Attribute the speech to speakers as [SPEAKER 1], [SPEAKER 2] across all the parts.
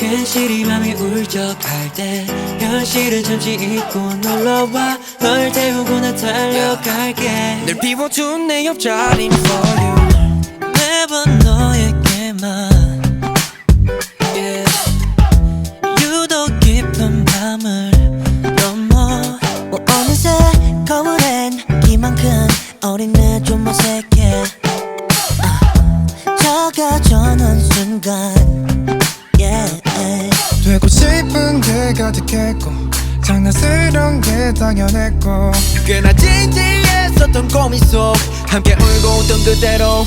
[SPEAKER 1] 괜시리 맘이 울적할 때 현실은 잠시 잊고 놀러와 널 태우고 나 달려갈게
[SPEAKER 2] 늘 비워둔 내 옆자리는 for you
[SPEAKER 1] 매번 너에게만 yeah. 유독 깊은 밤을 넘어
[SPEAKER 3] 어느새 거울엔 기만큼 어린 내 좀 어색해 작아져는 순간 yeah.
[SPEAKER 4] 되고 싶은 게 가득했고 장난스러운 게 당연했고
[SPEAKER 2] 꽤나 진지했었던 고민 속 함께 울고 웃던 그대로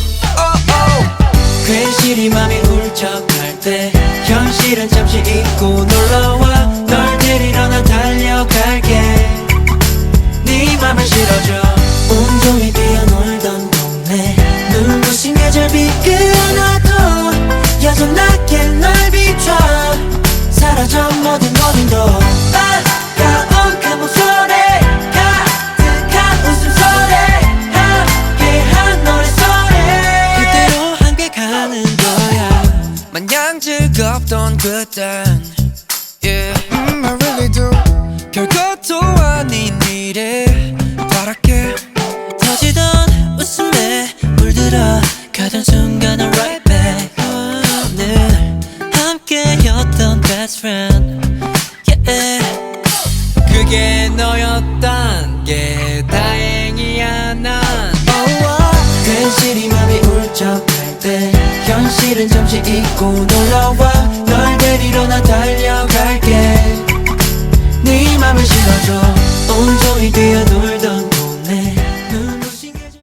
[SPEAKER 1] 괜시리 맘이 울적할 때 현실은 잠시 잊고 놀러와 널 데리러 난 달려갈게 네 맘을 실어줘
[SPEAKER 3] 온종일 뛰어놀던 동네
[SPEAKER 1] 눈부신 계절비 그어놔도
[SPEAKER 3] 여전하게 널 비춰
[SPEAKER 1] 사라져 모든 어딘도
[SPEAKER 3] 반가운 그 목소리 가득한 웃음소리 함께한 노래소리
[SPEAKER 1] 그대로 함께 가는 거야
[SPEAKER 2] 마냥 즐겁던 그땐 yeah.
[SPEAKER 4] I really do
[SPEAKER 2] 별것도 아닌 일에 바랄게
[SPEAKER 1] 터지던 웃음에 물들어 가던 순간은 right back 늘 함께였던 best friend yeah.
[SPEAKER 2] 그게 너였단 게 다행이야 난
[SPEAKER 1] 괜시리 맘이 울적할 때 현실은 잠시 잊고 놀러와 널 데리러 나 달려갈게 네 맘을 실어줘 온종일 뛰어도